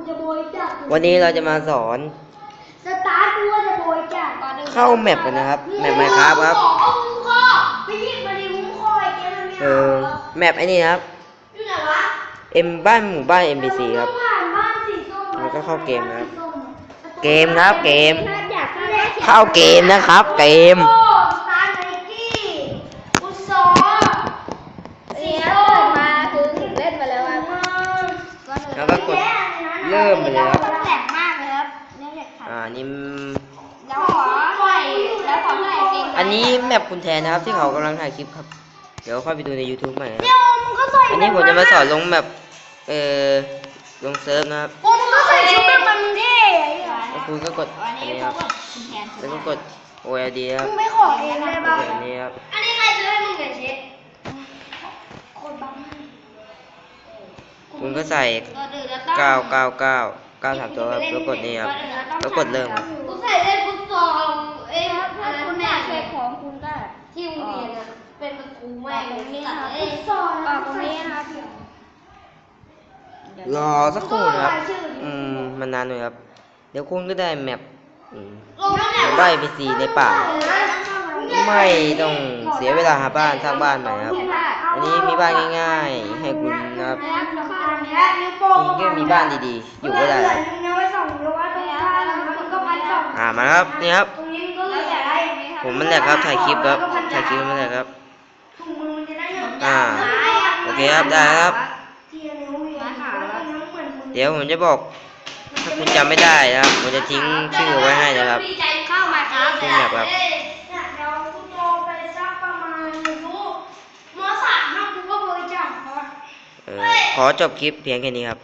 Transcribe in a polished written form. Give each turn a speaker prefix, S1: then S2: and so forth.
S1: จะบริจาค
S2: วันนี้เราจะมาสอน
S1: สตาร์ทกูว่าจะบริจาค
S2: เข้าแมปกันนะครับแมป Minecraft ครับ
S1: ไปหยิบมาดิวุ้งคอยแกมันไม่
S2: แมปไอ้นี่นะครับ
S1: อยู่ไหนวะ
S2: บ้านหมู่บ้าน NPC ครับ
S1: ผ่านบ้านสีส้ม
S2: แล้วก็เข้าเกมนะครับ เกมครับเกม
S1: อยาก
S2: เข้าเกมนะครับ เกม
S1: โอ้สตาร์ทไนกี้อุซอสีส้ม
S3: เปิดมาคือถึงเล่นมาแล้วอ่ะ
S2: แล้วก็กดเริ่มเลยครับ
S1: แหลกมากเลยครับเนี่ยแหลกค่ะ
S2: นี่
S3: แล้วขอใส่เกง
S2: อันนี้แมปคุณแทนนะครับที่เขากำลังถ่ายคลิปครับ เดี๋ยวค่อยไปดูใน YouTube ใหม่นะ
S1: เดี๋ยวมึงก็ใส่
S2: อันนี้ผมจะมาสอนลงแมปลงเซิร์ฟนะครับ
S1: โอ้มึงก็ใส่ชุดแบบมันเท่ไอ้เหี้ย
S2: แล้วคุณก็กด
S3: อั
S2: อั
S3: น
S2: น
S3: นี้
S2: นี้
S3: เขา
S2: ครับ
S3: กดคุณแทน
S2: แล้วก็กด OLD ครับ
S1: มึงไม่ขอเองได้
S2: ก
S1: ป่ะ
S2: ดอันนี้ครับ
S1: อันนี้ใครซื้อให้มึงเนี่ยเชฟโคตรบัง
S2: คุณก็ใส่ 999 ตัวครับแล้วกดนี่ครับแล้วกดเริ่มครับ
S1: กูใส่เล่นฟุตซอลอะไร
S3: คุณ
S1: เนี่
S3: แม่
S1: ย
S3: เช็คของคุณก็
S1: ที่โรงเรียนอะเป็นประตูแม่ง
S3: ตรงนี้นะครับ
S1: ฟุตซอล
S3: ออกตรงนี้นะครับ
S2: รอสักครู่นะครับ มันนานหน่อยครับ เดี๋ยวคุณก็ได้แมปได้ไปสีในป่า ไม่ต้องเสียเวลาหาบ้านสร้างบ้านใหม่ครับ อันนี้มีบ้านง่ายๆ ให้คุณนะครับคุณก็มีบ้านดีๆ อยู่ก็ได้ครับมาแล้วครับนี่ครับ
S1: ตรงนี้มันก็เหลือแต่ได้อย่างนี้ครับ
S2: ผมมันแหลกครับถ่ายคลิปครับถ่ายคลิปมันแหลกครับ
S1: ถุงมือมันจะได้หนึ่ง
S2: โอเคครับได้ครับ
S1: ทีละนิ้วเวียนแล้วก็นิ้วเหมือนมือ
S2: เดี๋ยวผมจะบอก ถ้าคุณจำไม่ได้นะครับผมจะทิ้งชื่อไว้ให้นะครับ
S1: เข้ามาครับ
S2: ชื่อแมปครับ
S1: เดี๋ยวกูโตไปสักประมาณไม่รู้ม.3 นะกูก็บริจาคครับ
S2: ขอจบคลิปเพียงแค่นี้ครับ